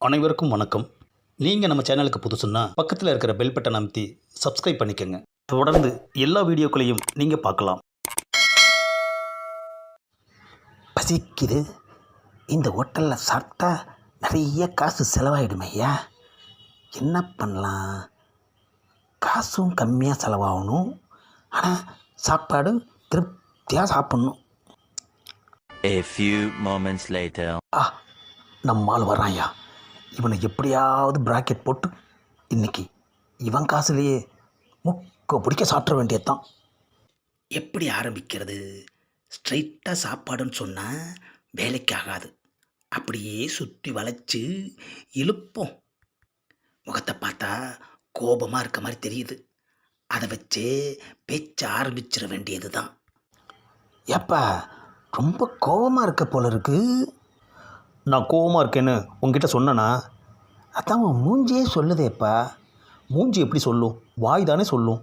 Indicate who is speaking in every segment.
Speaker 1: அனைவருக்கும் வணக்கம். நீங்கள் நம்ம சேனலுக்கு புதுசுன்னா பக்கத்தில் இருக்கிற பெல் பட்டன் அமைத்தி சப்ஸ்கிரைப் பண்ணிக்கோங்க. தொடர்ந்து எல்லா வீடியோக்களையும் நீங்கள் பார்க்கலாம்.
Speaker 2: பசிக்குது. இந்த ஹோட்டலில் சாப்பிட்டா நிறைய காசு செலவாயிடுமே ஐயா. என்ன பண்ணலாம்? காசும் கம்மியாக செலவாகணும், ஆனால் சாப்பாடு திருப்தியாக சாப்பிட்ணும்.
Speaker 3: A few moments later.
Speaker 2: நம்மால் வரான் ஐயா. இவனை எப்படியாவது பிராக்கெட் போட்டு இன்னைக்கு இவன் காசுலேயே முக்க பிடிக்க சாப்பிட வேண்டியதுதான். எப்படி ஆரம்பிக்கிறது? ஸ்ட்ரைட்டாக சாப்பாடுன்னு சொன்னால் வேலைக்கு ஆகாது. அப்படியே சுற்றி வளைச்சு இழுப்போம். முகத்தை பார்த்தா கோபமாக இருக்க மாதிரி தெரியுது. அதை வச்சு பேச்ச ஆரம்பிச்சிட வேண்டியது தான். ஏப்பா ரொம்ப கோபமாக இருக்க போல இருக்கு.
Speaker 1: நான் கோவமாக இருக்கேன்னு உங்ககிட்ட சொன்னேனா?
Speaker 2: அதான் உன் மூஞ்சியே சொல்லுதேப்பா.
Speaker 1: மூஞ்சி எப்படி சொல்லும்? வாய் தானே சொல்லும்.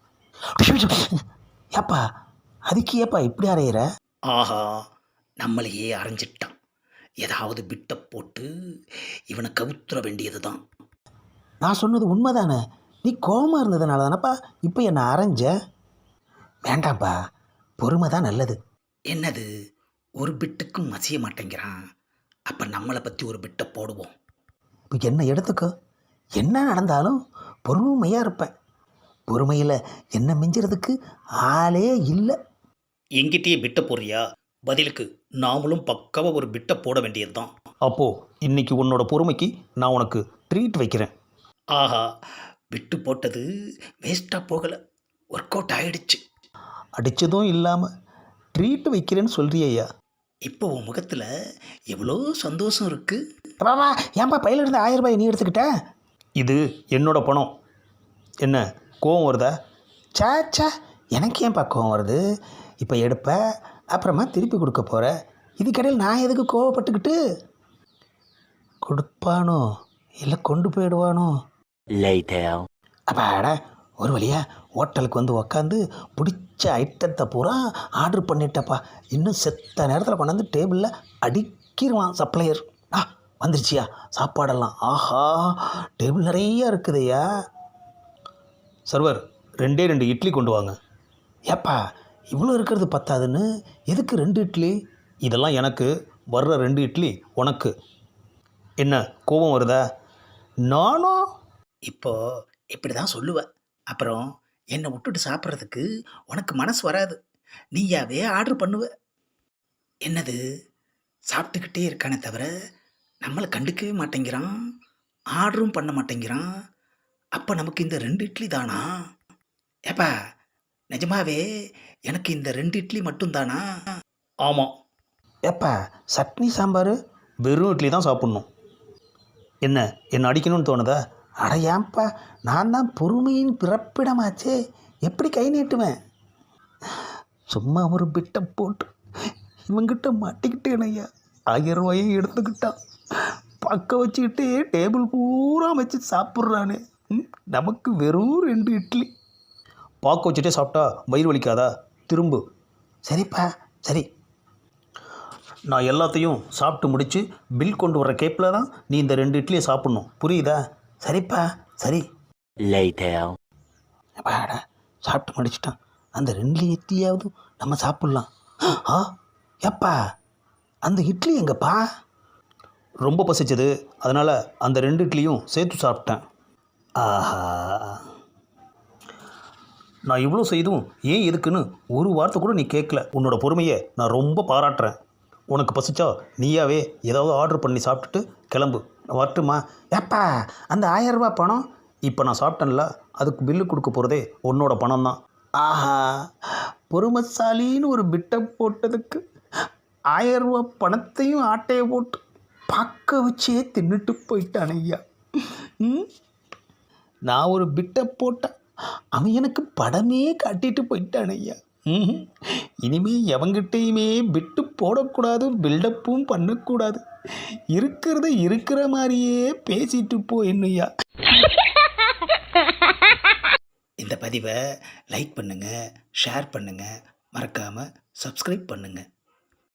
Speaker 2: ஏப்பா அதுக்கு ஏப்பா இப்படி அறையிற?
Speaker 4: ஆஹா, நம்மளையே அரைஞ்சிட்டான். ஏதாவது பிட்டை போட்டு இவனை கவுத்துற வேண்டியது தான்.
Speaker 2: நான் சொன்னது உண்மைதானே. நீ கோபமாக இருந்ததுனால தானப்பா இப்போ என்னை அரைஞ்ச. வேண்டாம்ப்பா, பொறுமை தான் நல்லது.
Speaker 4: என்னது, ஒரு பிட்டுக்கும் மசிய மாட்டேங்கிறான். அப்போ நம்மளை பற்றி ஒரு பிட்டை போடுவோம்.
Speaker 2: இப்போ என்ன எடுத்துக்கோ. என்ன நடந்தாலும் பொறுமையாக இருப்பேன். பொறுமையில் என்ன மிஞ்சுறதுக்கு ஆளே இல்லை.
Speaker 4: எங்கிட்டயே பிட்டை போடுறியா? பதிலுக்கு நாமளும் பக்காவாக ஒரு பிட்டை போட வேண்டியது தான்.
Speaker 1: அப்போது இன்னைக்கு உன்னோட பொறுமைக்கு நான் உனக்கு ட்ரீட் வைக்கிறேன்.
Speaker 4: ஆஹா, பிட்டு போட்டது வேஸ்ட்டாக போகலை, ஒர்க் அவுட் ஆகிடுச்சு.
Speaker 1: அடித்ததும் இல்லாமல் ட்ரீட் வைக்கிறேன்னு சொல்கிறியா?
Speaker 4: இப்போ உன் முகத்தில் எவ்வளோ சந்தோஷம் இருக்குது.
Speaker 2: பாபா, ஏன்பா பையில இருந்து 1000 ரூபாய் நீ எடுத்துக்கிட்ட?
Speaker 1: இது என்னோட பணம். என்ன கோவம் வருதா?
Speaker 2: சாச்சா, எனக்கு ஏன்பா கோவம் வருது? இப்போ எடுப்ப, அப்புறமா திருப்பி கொடுக்க போகிற. இதுக்கடையில் நான் எதுக்கு கோவப்பட்டுக்கிட்டு? கொடுப்பானோ இல்லை கொண்டு போயிடுவானோ?
Speaker 3: Later.
Speaker 2: அப்பாடா, ஒரு வழியா ஹோட்டலுக்கு வந்து உக்காந்து பிடிச்ச ஐட்டத்தை பூரா ஆர்டர் பண்ணிட்டப்பா. இன்னும் செத்த நேரத்தில் கொண்டாந்து டேபிளில் அடிக்கிடுவான் சப்ளையர். வந்துருச்சியா சாப்பாடெல்லாம்? ஆஹா, டேபிள் நிறையா இருக்குதையா.
Speaker 1: சர்வர், 2 இட்லி கொண்டு வாங்க.
Speaker 2: ஏப்பா இவ்வளோ இருக்கிறது பத்தாதுன்னு எதுக்கு 2 இட்லி?
Speaker 1: இதெல்லாம் எனக்கு, வர்ற 2 இட்லி உனக்கு. என்ன கோபம் வருதா?
Speaker 2: நானும்
Speaker 4: இப்போ இப்படி தான் சொல்லுவேன். அப்புறம் என்னை விட்டுட்டு சாப்பிட்றதுக்கு உனக்கு மனசு வராது. நீயாவே ஆர்டர் பண்ணுவ. என்னது, சாப்பிட்டுக்கிட்டே இருக்கானே தவிர நம்மளை கண்டுக்கவே மாட்டேங்கிறான், ஆர்டரும் பண்ண மாட்டேங்கிறான். அப்போ நமக்கு இந்த 2 இட்லி தானா? ஏப்பா நிஜமாவே எனக்கு இந்த 2 இட்லி மட்டும்தானா?
Speaker 1: ஆமாம்.
Speaker 2: ஏப்பா சட்னி சாம்பார்?
Speaker 1: வெறும் இட்லி தான் சாப்பிட்ணும். என்ன அடிக்கணும்னு தோணுதா?
Speaker 2: அட ஏன்பா, நான் தான் பொறுமையின் பிறப்பிடமாச்சே, எப்படி கை நீட்டுவேன்? சும்மா ஒரு பிட்டை போட்டு இவங்கிட்ட மாட்டிக்கிட்டேன் ஐயா. 1000 ரூபாயை எடுத்துக்கிட்டான். பக்க வச்சுக்கிட்டே டேபிள் பூரா வச்சு சாப்பிட்றானே. நமக்கு வெறும் 2 இட்லி.
Speaker 1: பாக்க வச்சுட்டே சாப்பிட்டா வயிறு வலிக்காதா? திரும்பு.
Speaker 2: சரிப்பா சரி.
Speaker 1: நான் எல்லாத்தையும் சாப்பிட்டு முடித்து பில் கொண்டு வர கேப்பில் தான் நீ இந்த 2 இட்லியை சாப்பிட்ணும். புரியுதா?
Speaker 2: சரிப்பா சரி.
Speaker 3: Later.
Speaker 2: அப்பாடா, சாப்பிட்டு முடிச்சிட்டான். அந்த 2 இட்லியாவது நம்ம சாப்பிட்லாம். ஏப்பா அந்த இட்லி எங்கப்பா?
Speaker 1: ரொம்ப பசிச்சது, அதனால் அந்த 2 இட்லியும் சேர்த்து சாப்பிட்டேன்.
Speaker 2: ஆஹா,
Speaker 1: நான் இவ்வளோ செய்தும் ஏன் எதுக்குன்னு ஒரு வார்த்தை கூட நீ கேட்கல. உன்னோட பொறுமையை நான் ரொம்ப பாராட்டுறேன். உனக்கு பசிச்சா நீயாவே ஏதாவது ஆர்டர் பண்ணி சாப்பிட்டுட்டு கிளம்பு. வரட்டுமா?
Speaker 2: ஏப்பா அந்த 1000 ரூபாய் பணம்?
Speaker 1: இப்போ நான் சாப்பிட்டேன்ல, அதுக்கு பில்லு கொடுக்க போகிறதே உன்னோட பணம் தான்.
Speaker 2: ஆஹா, பொறுமைசாலின்னு ஒரு பிட்டை போட்டதுக்கு 1000 ரூபாய் பணத்தையும் ஆட்டையை போட்டு பக்க வச்சே தின்னுட்டு போயிட்டான் ஐயா. நான் ஒரு பிட்டை போட்டேன், அவன் எனக்கு படமே காட்டிட்டு போயிட்டான் ஐயா. இனிமே எவங்கிட்டையுமே பிட்டு போடக்கூடாது, பில்டப்பும் பண்ணக்கூடாது. இருக்கிறத இருக்கிற மாதிரியே பேசிட்டு போ என்னையா.
Speaker 4: இந்த பதிவை லைக் பண்ணுங்கள், ஷேர் பண்ணுங்கள், மறக்காமல் சப்ஸ்கிரைப் பண்ணுங்கள்.